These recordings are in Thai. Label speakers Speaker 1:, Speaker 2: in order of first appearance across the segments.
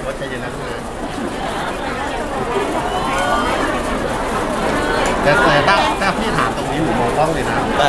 Speaker 1: ว่าใจเย็นนะลูกนะแต่พี่ถามตรงนี้หนูมองกล้องเลยนะ
Speaker 2: แต่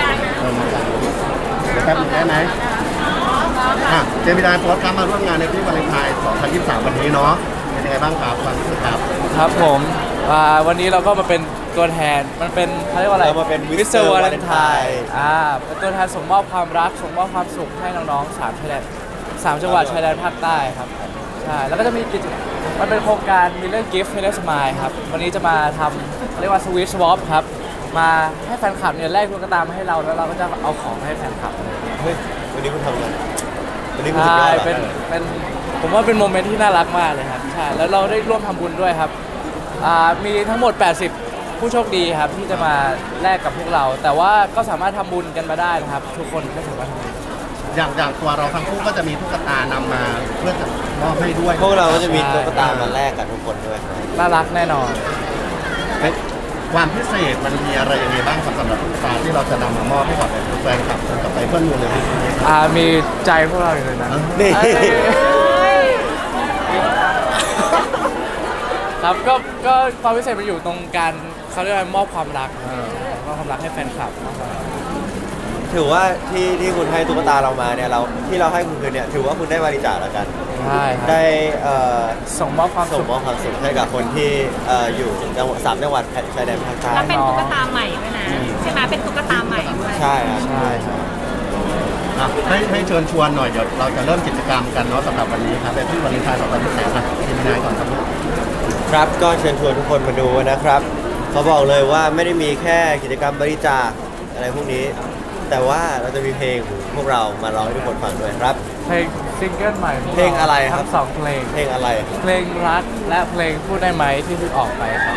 Speaker 1: เดี๋ยวแป๊บนึงได้ไหมเจมินายโพสต์ครับมาร่วมงานในพี่วาเลนไทน์2023วันนี้เนาะเป็นยังไงบ้างครับความรู้สึกครับ
Speaker 3: ครับผมวันนี้เราก็มาเป็นตัวแทนมันเป็นเขาเรียกว่าอะไร
Speaker 2: เรามาเป็น
Speaker 3: Mr. Valentine เป็นตัวแทนส่งมอบความรักส่งมอบความสุขให้น้องๆ3 จังหวัดชายแดนภาคใต้ครับใช่แล้วก็จะมีมันเป็นโครงการมีเรื่อง Gift m i l l e r Smile ครับวันนี้จะมาทำเรียกว่า Sweet Swap ครับมาให้แฟนคลับเนี่ยแลกตุ๊กตามาให้เราแล้วเราก็จะเอาของให้แฟนคลับ
Speaker 2: เฮ้ยวันนี้คุณทำอะไรวันนี้คุณสุดยอด
Speaker 3: เป็นผมว่าเป็นโมเมนต์ที่น่ารักมากเลยครับใช่แล้วเราได้ร่วมทำบุญด้วยครับมีทั้งหมด80ผู้โชคดีครับที่จะมาแลกกับพวกเราแต่ว่าก็สามารถทำบุญกันมาได้นะครับทุกคนก็สามารถทำบุญ
Speaker 1: อย่างตัวเราทั้งคู่ก็จะมีตุ๊กตานำมาเพื่อจะมอบให้ด้วย
Speaker 2: พวกเราก็จะมีตุ๊กตามาแลกกับทุกคนด้วย
Speaker 3: น่ารักแน่นอน
Speaker 1: ความพิเศษมันมีอะไรยังไงบ้างสำหรับตุ๊กตาที่เราจะนำมามอบให้กับแฟนคลับกับไปเพื่อนมูลเลย
Speaker 3: มีใจพวกเราอยู่เลยนะ
Speaker 2: นี่
Speaker 3: ครับก็ความพิเศษมันอยู่ตรงการเขาเรียกว่ามอบความรักมอบความรักให้แฟนคลับ
Speaker 2: ถือว่าที่คุณให้ตุ๊กตาเรามาเนี่ยที่เราให้คุณคืนเนี่ยถือว่าคุณได้บริจาคแล้วกัน
Speaker 3: ใช่
Speaker 2: ได้
Speaker 3: ส่งมอบความสุข
Speaker 2: ให้กับคนที่อยู่จังหวัด3 จังหวัดชายแดนภาคใต้
Speaker 4: แล้วเป็นตุ๊กตาใหม่ด้วยนะใช่ไหมเป็นตุ๊กตาใหม่ด้วย
Speaker 2: ใช่ครับใช่
Speaker 1: ให้เชิญชวนหน่อยเดี๋ยวเราจะเริ่มกิจกรรมกันเนาะสำหรับวันนี้ครับเป็นที่วาเลนไทน์2023นะทีมงานก่อนครับ
Speaker 2: ครับก็เชิญชวนทุกคนมาดูนะครับเขาบอกเลยว่าไม่ได้มีแค่กิจกรรมบริจาคอะไรพวกนี้แต่ว่าเราจะมีเพลงของพวกเรามาร้องให้ทุกคนฟังด้วยครับ
Speaker 3: เพลงซิงเกิลใหม่
Speaker 2: เพลงอะไรครับ
Speaker 3: ทั้ง2เพ
Speaker 2: ลงอะไร
Speaker 3: เพลงรักและเพลงพูดได้ไหมที่เพิ่งออกไปครับ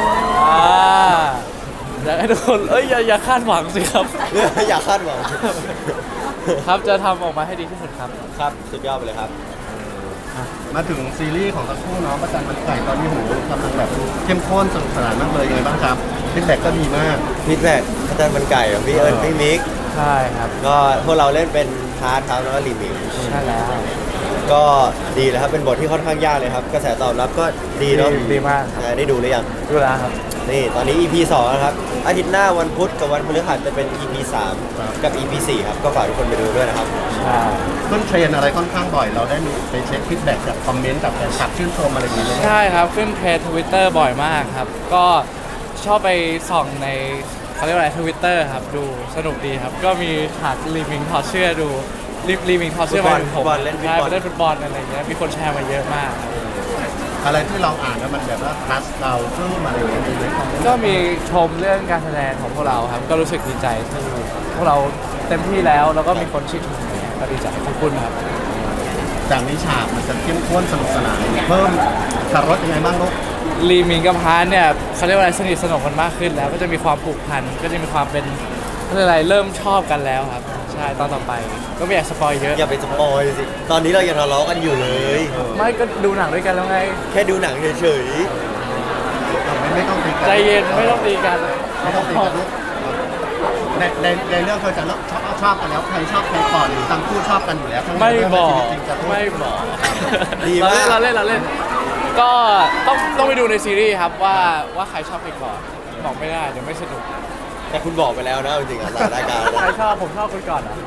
Speaker 3: อยากให้ทุกคนอย่าคาดหวังสิครับ
Speaker 2: อย่าคาดหวัง
Speaker 3: ครับจะทำออกมาให้ดีที่สุดครับ
Speaker 2: ครับสุดยอดไปเลยครับ
Speaker 1: มาถึงซีรีส์ของทั้งคู่เนาะประจันมันไก่ตอนนี้โหกำลังแบบเข้มข้นสนุกสนานมากเลยยังไงบ้างครับฟีดแบ็กก็ดีมาก
Speaker 2: ฟีดแบ็กประจันมันไก่ของพี่เอิญพี่มิก
Speaker 3: ใช่ครับ
Speaker 2: ก็พวกเราเล่นเป็นพาร์ทครับแล้วก็รีมิก
Speaker 3: ใช่แล้ว
Speaker 2: ก็ดีเลยครับเป็นบทที่ค่อนข้างยากเลยครับกระแสตอบรับก็ดีเนาะ
Speaker 3: ดีมาก
Speaker 2: ได้ดูหรือยัง
Speaker 3: ดูแล้วครับ
Speaker 2: นี่ตอนนี้ EP 2นะครับอาทิตย์หน้าวันพุธกับวันพฤหัสจะเป็น EP 3กับ EP 4ครับก็ฝากทุกคนไปดูด้วยนะครับ
Speaker 3: ใช่
Speaker 1: ขึ้นเทรนอะไรค่อนข้างบ่อยเราได้มีไปเช็คฟีดแบ็กจากคอมเมนต์จากแฟนคลับชื่นชมอะไรอย่างเงี้ย
Speaker 3: ใช่ครับขึ้นเทรน Twitter บ่อยมากครับก็ชอบไปส่องในเขาเรียกว่าอะไร Twitter ครับดูสนุกดีครับก็มีฉากรีมิงถอดเสื้อดูรีมิงถอดเสื้อมา
Speaker 2: ผมเล่น
Speaker 3: ฟุตบอลอะไรอย่างเงี้ยมีคนแชร์มาเยอะมาก
Speaker 1: อะไรที่เราอ่านแล้วมันแบบว่าทัชเราซึ่งมาเลย
Speaker 3: ก็มีชมเรื่องการแสดงของพวกเราครับก็รู้สึกดีใจที่พวกเราเต็มที่แล้วก็มีคนชื่นชมก็ดีใจขอบคุณครับ
Speaker 1: จากนี้ฉากมันจะเข้มข้นสนุกสนานเพิ่มคารถยังไงบ้างลูก
Speaker 3: ลีมิงกับพานเนี่ยเขาเรียกว่าอะไรสนิทสนมกันมากขึ้นแล้วก็จะมีความผูกพันก็จะมีความเป็นอะไรเริ่มชอบกันแล้วครับใช่ตอนต่อไปก็ไม่อยากสปอยเยอะ
Speaker 2: อย่าไปสปอยสิตอนนี้เรายังทะเลาะกันอยู่เลย
Speaker 3: ไม่ก็ดูหนังด้วยกันแล้วไง
Speaker 2: แค่ดูหนังเฉย
Speaker 1: ๆไม่ต้องตีกัน
Speaker 3: ใจเย็นไม่ต้องตีกัน
Speaker 1: ไม่ต้องตีกันในเรื่องเขาจะชอบกันแล้วใครชอบใครก่อนหรือทั้งคู่ชอบกันอยู่แล้ว
Speaker 3: ไม่บอก
Speaker 2: ดีมาก
Speaker 3: เราเล่นก็ต้องไปดูในซีรีส์ครับว่าใครชอบใครก่อนบอกไม่ได้เดี๋ยวไม่สนุก
Speaker 2: แต่คุณบอกไปแล้วนะจริงๆอ่ะรายการ
Speaker 3: ใครชอบผมชอบคุณก่อนอ่ะ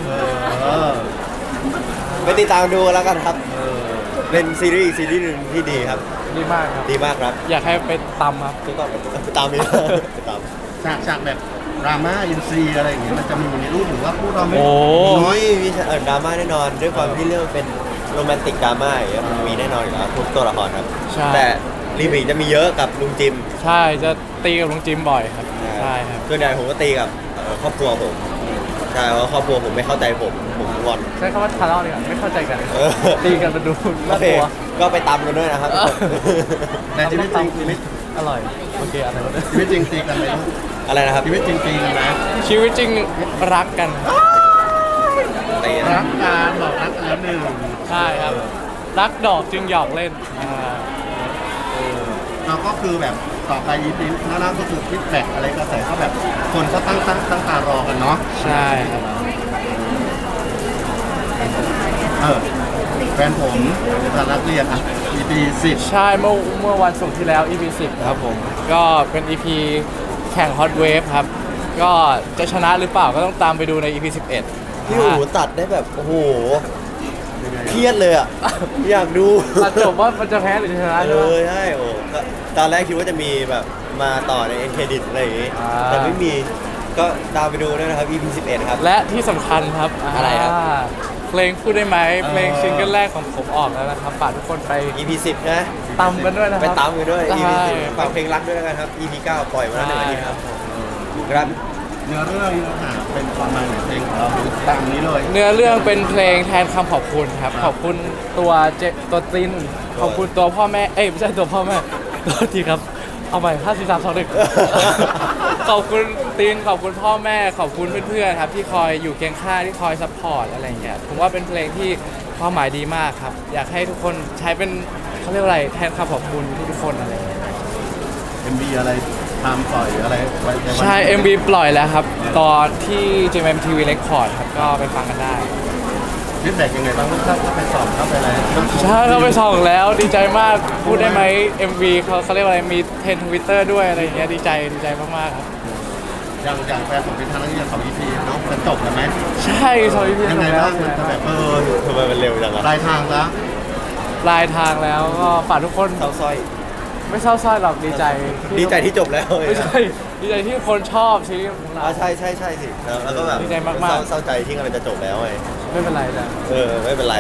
Speaker 2: ไปติดตามดูแล้วกันครับเป็นซีรีส์หนึ่งที่ดีครับ
Speaker 3: ดีมากครับ
Speaker 2: ดีมากครับ
Speaker 3: อยากให้ไปตำครับ
Speaker 2: ทุกคนไปตามนี้ไปตาม
Speaker 1: ฉากแบบดราม่าอินซีอะไรอย่างเงี้ยมันจะมีในรูปหรือว่าพูดเราไม่
Speaker 2: น้อยมีดราม่าแน่นอนด้วยความที่เรื่องเป็นโรแมนติกดราม่าอย่างเงี้ยมันมีแน่นอนอยู่แล้วทุกตัวละครครับแต่รีมิกจะมีเยอะกับลุงจิม
Speaker 3: ใช่จะตีกับลุงจิมบ่อยครับใช่ครับ
Speaker 2: ส่วนใหญ่ผมก็ตีกับครอบครัวผมใช่เพราะครอบครัวผมไม่เข้าใจผมงอน
Speaker 3: ใช้คำว่าทะเลาะดีกว่าไม่เข้าใจกันตีกันมาดูน่ากลัว
Speaker 2: ก็ไปตำกันด้วยนะครับ
Speaker 1: แต่ชีวิตจริง
Speaker 3: อร่อยโอเคอะไรวะ
Speaker 1: ชีวิตจริงตีกันไหม
Speaker 2: อะไรนะครับ
Speaker 1: ชีวิตจริงตีกันไหม
Speaker 3: ชีวิตจริงรักกัน
Speaker 1: รักกันบอกรักกันแล้วหนึ่ง
Speaker 3: ใช่ครับรักดอกจึงหยอกเล่น
Speaker 1: เราก็คือแบบต่อไปยีพีหน้าก็คือฟีดแบ็กอะไรกระแสก็แบบคนก็ตั้งตารอกันเนาะ
Speaker 3: ใช่ครับ
Speaker 1: แฟนผมเป็นนักเรียนอ่ะ EP 10
Speaker 3: ใช่เมื่อวันศุกร์ที่แล้ว EP 10ครับผมก็เป็น EP แข่ง Hot Wave ครับก็จะชนะหรือเปล่าก็ต้องตามไปดูใน EP 11
Speaker 2: พี่หูตัดได้แบบโอ้โหเครียดเลยอ่ะ อยากดู
Speaker 3: ตัดจบว่ามันจะแพ้หรือจะชนะ
Speaker 2: เอ
Speaker 3: ใช่ไหม
Speaker 2: อใช่โอ้ก็ตอนแรกคิดว่าจะมีแบบมาต่อในเอ็นเครดิตอะไรอย่างงี้
Speaker 3: อ่า
Speaker 2: แต่ไม่มีก็ตามไปดูด้วยนะครับ EP 11ครับ
Speaker 3: และที่สำคัญครับ
Speaker 2: อะไรครับ
Speaker 3: เพลงพูดได้ไหมเพลงซิงเกิลแรกของผมออกแล้วนะครับฝากทุกคนไป
Speaker 2: EP 10นะ
Speaker 3: ตามกันด้วยนะค
Speaker 2: ไป
Speaker 3: รับ
Speaker 2: ตามกันด้วย EP
Speaker 3: ใช่
Speaker 2: 10ฝากเพลงรักด้วยแล้วกันครับ EP 9 ปล่อยมาแล้วหนึ่งอาทิตย์ครับครับ
Speaker 1: เนื้อเรื่องเนื้อหาเป็นประมาณไหนเพลงของเราดูตามนี้เลย
Speaker 3: เนื้อเรื่องเป็นเพลงแทนคำขอบคุณครับ ขอบคุณตัวตัวตินขอบคุณตัวพ่อแม่เอ้ยไม่ใช่ตัวพ่อแม่โทษทีครับเอาใหม่5 4 3 2 1 ขอบคุณตินขอบคุณพ่อแม่ขอบคุณเพื่อนๆครับที่คอยอยู่เคียงข้างที่คอยซัพพอร์ตอะไรอย่างเงี้ยผมว่าเป็นเพลงที่ความหมายดีมากครับ อยากให้ทุกคนใช้เป็นเขาเรียกว่าอะไรแทนคำขอบคุณทุกๆคนอะไรอย่างเงี้ย
Speaker 1: MV อะไรทำปล่อยอะไรไว้ในวัน
Speaker 3: ใช่ MV ปล่อยแล้วครับ ตอนที่ JMTV Record ครับก็ไปฟังกันได้
Speaker 1: ฟีดแบ็กยังไงบ้างเข้าไปสอบเข้าไปอะไร
Speaker 3: ใช่เราไปส่องแล้วดีใจมากพูดได้ไหม MV เขาเรียกว่าอะไรมีเทรนทวิตเตอร์ด้วยอะไรอย่างเงี้ยดีใจมากๆครับ
Speaker 1: อย่างแฟนผมเป็นทางนักเรียนของ EP เนาะมันจบแล้วไหม
Speaker 3: ใช่สวัสดีพี่
Speaker 1: ยังไง
Speaker 3: แล้ว
Speaker 1: บ้างมันจะแบบ
Speaker 2: ทำไมมันเร็วจังอะ
Speaker 1: ปลายทางแล้ว
Speaker 3: ปลายทางแล้วก็ฝากทุกคน
Speaker 2: เศร้าสร้อย
Speaker 3: ไม่เศร้าส้อยหรอกดีใจ
Speaker 2: ดีใจที่จบแล้ว
Speaker 3: ไม่ใช่ดีใจที่คนชอบซีรีส์ของเรา
Speaker 2: ใช่สิแล้วก็แบบ
Speaker 3: ดีใจมากๆ
Speaker 2: เศร้าใจที่กำลังจะจบแล้วไง
Speaker 3: ไม่เป็นไรนะ
Speaker 2: ไม่เป็นไร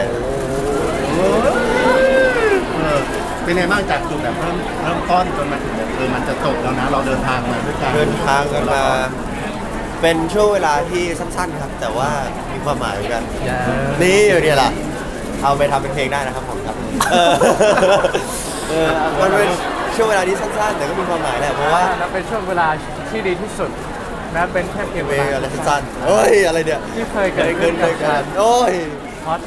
Speaker 1: เป็นไงบ้างจากจุดแบบเริ่มต้นจนมาถึงแบบมันจะจบแล้วนะ เราเดินทางมาด้วยกัน
Speaker 2: เดินทางกันมา เป็นช่วงเวลาที่สั้นๆครับ แต่ว่ามีความหมายเหมือนกัน นี่อยู่เนี่ยล่ะ เอาไปทำเป็นเพลงได้นะครับผมครับ มันเป็นช่วงเวลาที่สั้นๆ แต่ก็มีความหมายแหละเพราะว่า
Speaker 3: แล้วเป็นช่วงเวลาที่ดีที่สุดแม้เป็นแค่เพียง
Speaker 2: เพลงอะไรสั้นๆเฮ้ยอะไรเนี่ย
Speaker 3: ที่เคยเกิดขึ้น
Speaker 2: เค
Speaker 3: กับ
Speaker 2: ย
Speaker 3: การ
Speaker 2: โอ้ย
Speaker 3: ฮอต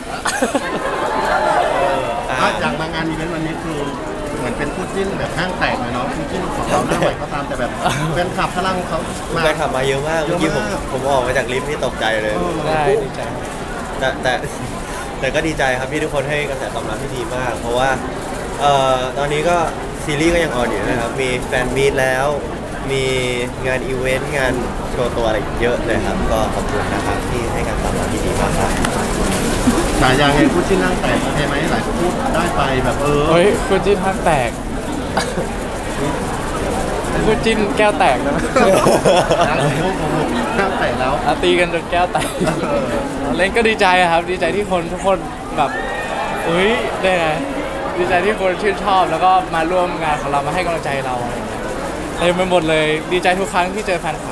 Speaker 1: จากมางานอีเวนต์วันนี้คือเหมือนเป็นคู่จิ้นแบบห้างแตกเลยเนาะคู่จิ้นของเราหน้าใหม่ก็ตามแต่แบบแฟนคลับพลังเขามา
Speaker 2: แฟนคลับมาเยอะมาก
Speaker 1: เยอะ
Speaker 2: เมื่อกี้ผม
Speaker 1: มาก
Speaker 2: ผมออกมาจากลิฟต์นี่ตกใจเลย
Speaker 3: ได้ดีใจ
Speaker 2: แต่ก็ดีใจครับที่ทุกคนให้กระแสตอบรับที่ดีมาก เพราะว่าตอนนี้ก็ซีรีส์ก็ยังออนอยู่นะครับ มีแฟนมีตแล้ว มีงานอีเวนต์งานโชว์ตัวอะไรเยอะเลยครับ ก็ขอบคุณนะครับที่ให้การตอบรับที่ดีมากครับ
Speaker 1: ฉายาไงคู่จิ้นห้างแตกโอเคไหมหลายคนพูดได้ไปแบบ
Speaker 3: เฮ้ยคุณจิ้นห้างแตกคุณจิ้นแก้วแตกแล้วนะ
Speaker 1: ห้างแตกแล้ว
Speaker 3: ตีกันจนแก้วแตกเล่นก็ดีใจอะครับ ดีใจที่คนทุกคนแบบอุ้ยได้ไงดีใจที่คนชื่นชอบแล้วก็มาร่วมงานของเรามาให้กำลังใจเราอะไรอย่างเงี้ยเต็มไปหมดเลยดีใจทุกครั้งที่เจอแฟนคลับ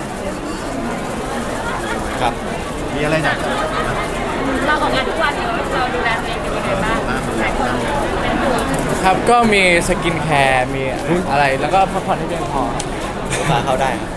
Speaker 2: ครับ
Speaker 1: มีอะไรอยากจะ
Speaker 4: เราออกงานทุกวันเนี่ยเราดูแลตัวเองเป็นยังไงบ้างหลายคนเป็นห่วง
Speaker 3: ครับก็มีสกินแคร์มีอะไรแล้วก็พักผ่อนให้เพียงพอ
Speaker 2: มาเข้าได้ครับ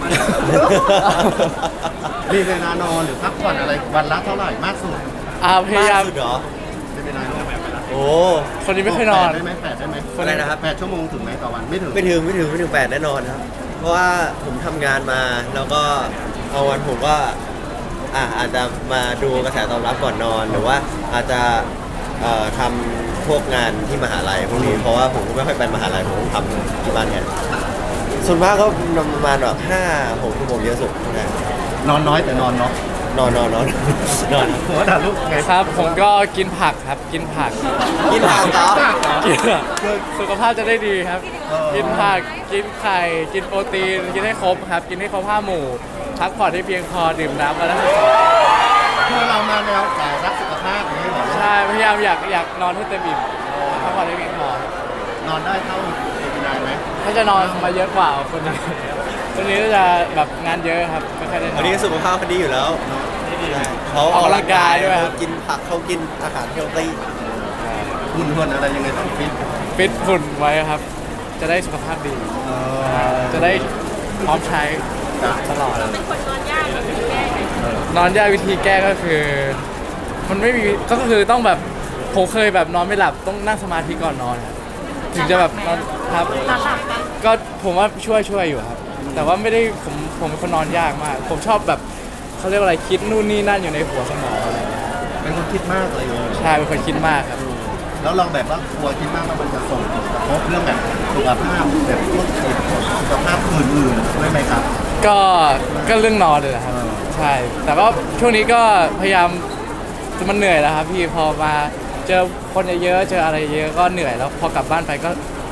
Speaker 1: มีเวลานอนหรือพักผ่อนอะไรวันละเท่าไหร่มากสุด
Speaker 3: พยายาม
Speaker 2: สุดเหรอ
Speaker 1: ไม่เป็นไรนอนแบบ
Speaker 2: โอ้
Speaker 3: คนนี้ไม่เคยนอน
Speaker 1: ได้ไหมแปดได้ไหม
Speaker 2: อะไรนะครับ
Speaker 1: 8 ชั่วโมงถึงไหมต่อวันไม่ถึง
Speaker 2: ไม่ถึง8แน่นอนครับ เพราะว่าผมทำงานมาแล้วก็เอาวันผมก็อาจจะมาดูกระแสตอบรับก่อนนอน หรือว่าอาจจะทำพวกงานที่มหาลัยพวกนี้เพราะว่าผมก็ไม่ค่อยไปมหาลัยผมทำที่บ้านเนี่ยส่วนมากก็ประมาณแบบ5-6 ชั่วโมงเยอะสุดนะ
Speaker 1: นอนน้อยแต่นอนเนาะ
Speaker 2: นอน
Speaker 1: หัวด่าลูกไง
Speaker 3: ครับผมก็กินผักครับกินผัก
Speaker 2: กินผักเหรอ
Speaker 3: กินสุขภาพจะได้ดีครับ กินผักกินไข่กินโปรตีนกินให้ครบครับกินให้ครบ5 หมู่พักผ่อนให้เพียงพอดื่มน้ำวันละ10
Speaker 1: คือเรามาแนวสายรักสุขภาพอย่างนี้เหรอ
Speaker 3: ใช่พยายามอยากนอนให้เต็มอิ่มพักผ่อนให้เพียงพอน
Speaker 1: อนได้เท่าเป็นนายไหม
Speaker 3: ถ้าจะนอนมาเยอะกว่าคนนี้คนนี้ก็จะแบบงานเยอะครับไม่ค่อยได้นอ
Speaker 2: วัน
Speaker 3: น
Speaker 2: นี้สุขภาพเขาดีอยู่แล้วเขา
Speaker 3: ออกกำลังกายด้วยครับ
Speaker 2: เขากินผักเขากินอาหารเฮลตี้
Speaker 1: หุ่นอะไรยังไงต้องฟิต
Speaker 3: ฟิตหุ่นไว้ครับ จะได้สุขภาพดี จะได้พร้อมใช้ตลอด
Speaker 4: เป็นคนนอนยากหรือแก้ไง
Speaker 3: นอนยากวิธีแก้ก็คือ มันไม่มีก็คือต้องแบบผมเคยแบบนอนไม่หลับต้องนั่งสมาธิก่อนนอนครับถึงจะแบบนอนครับ
Speaker 4: หลับไหม
Speaker 3: ก็ผมว่าช่วยอยู่ครับ แต่ว่าไม่ได้ผมเป็นคนนอนยากมาก ผมชอบแบบเขาเรียกว่าอะไรคิดนู่นนี่นั่นอยู่ในหัวสมองอะไรอย่างเงี้ย
Speaker 1: เป็นคนคิดมากเลย
Speaker 3: ใช่เป็นคนคิดมากครับ
Speaker 1: แล้วเราแบบว่ากลัวคิดมากว่ามันจะส่งผลกระทบเรื่องแบบสุขภาพแบบพวกสุขภาพอื่นๆด้วยไหมครับ
Speaker 3: ก็เรื่องนอนเลยแหละครับ ใช่ แต่ก็ช่วงนี้ก็พยายามมันเหนื่อยแล้วครับพี่พอมาเจอคนเยอะๆเจออะไรเยอะก็เหนื่อยแล้วพอกลับบ้านไปก็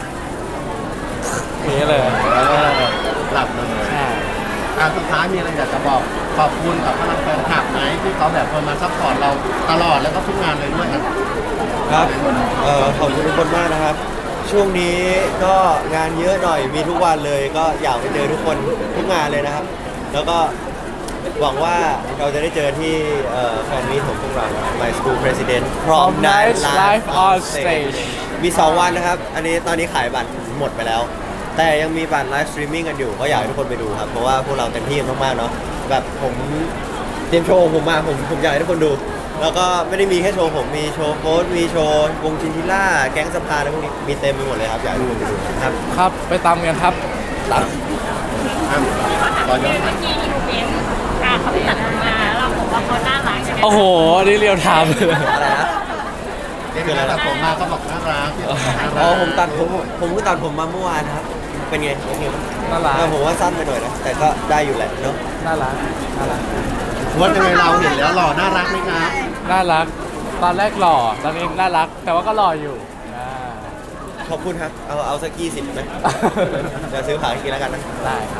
Speaker 3: อย่างนี้เลย
Speaker 1: หลับเลย
Speaker 3: ใช่
Speaker 1: สุดท้ายมีอะไรอยากจะบอกขอบคุณกับพลังแฟนคลับไหมที่เขาแบบมาซัพพอร์ตเราตลอดแล้วก็ทุกงานเลยด้วยครับ
Speaker 2: ขอบคุณทุกคนมากนะครับ ช่วงนี้ก็งานเยอะหน่อยมีทุกวันเลย ก็อยากไปเจอทุกคนทุกงานเลยนะครับ แล้วก็หวังว่าเราจะได้เจอที่แฟนมีตของพวกเรา My School President Prom Night Live on Stage มี 2 วันนะครับ อันนี้ตอนนี้ขายบัตรหมดไปแล้ว แต่ยังมีบัตรไลฟ์สตรีมมิ่งกันอยู่ก็อยากให้ทุกคนไปดูครับ เพราะว่าพวกเราเต็มที่กันมากๆเนาะแบบผมเตรียมโชว์ผมมาผมอยากให้ทุกคนดู แล้วก็ไม่ได้มีแค่โชว์ผมมีโชว์โค้ดมีโชว์วงชินชิล่าแก๊งสภาอะไรพวกนี้มีเต็มไปหมดเลยครับอยากให้ทุกคนไปดูครับ
Speaker 3: ครับไปตามกันครับ
Speaker 2: ตาม
Speaker 1: ตอนย้อน
Speaker 4: เมื่อกี้อีเวนต์เขาไปตัดผมมาเราบอกว่าเขาน่ารักยังไง
Speaker 3: โอ้โหนี่เรียวไทม์เลย
Speaker 2: อะไรนะ
Speaker 1: เด็กๆตัดผมมาเขาบอกน่ารัก
Speaker 2: อ๋อผมตัดผมก็ตัดผมมาเมื่อวานครับ เป็นไงโอเคไหม
Speaker 3: น่ารัก
Speaker 2: ผมว่าสั้นไปหน่อยนะแต่ก็ได้อยู่แหละเนาะ
Speaker 3: น่ารักน่ารัก
Speaker 1: ว่ายังไงเราเห็นแล้วหล่อน่ารักไหมครับ
Speaker 3: น่ารัก ตอนแรกหล่อตอนนี้น่ารัก แต่ว่าก็หล่ออยู่อ่า
Speaker 2: ขอบคุณครับเอาสัก20ไหมเดี๋ยวซื้อขายกินแล้วกันนะ
Speaker 3: ได้ครับ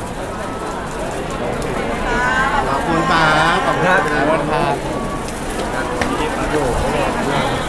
Speaker 1: ขอบคุณครับขอบคุณครับ
Speaker 3: ขอบคุณครับ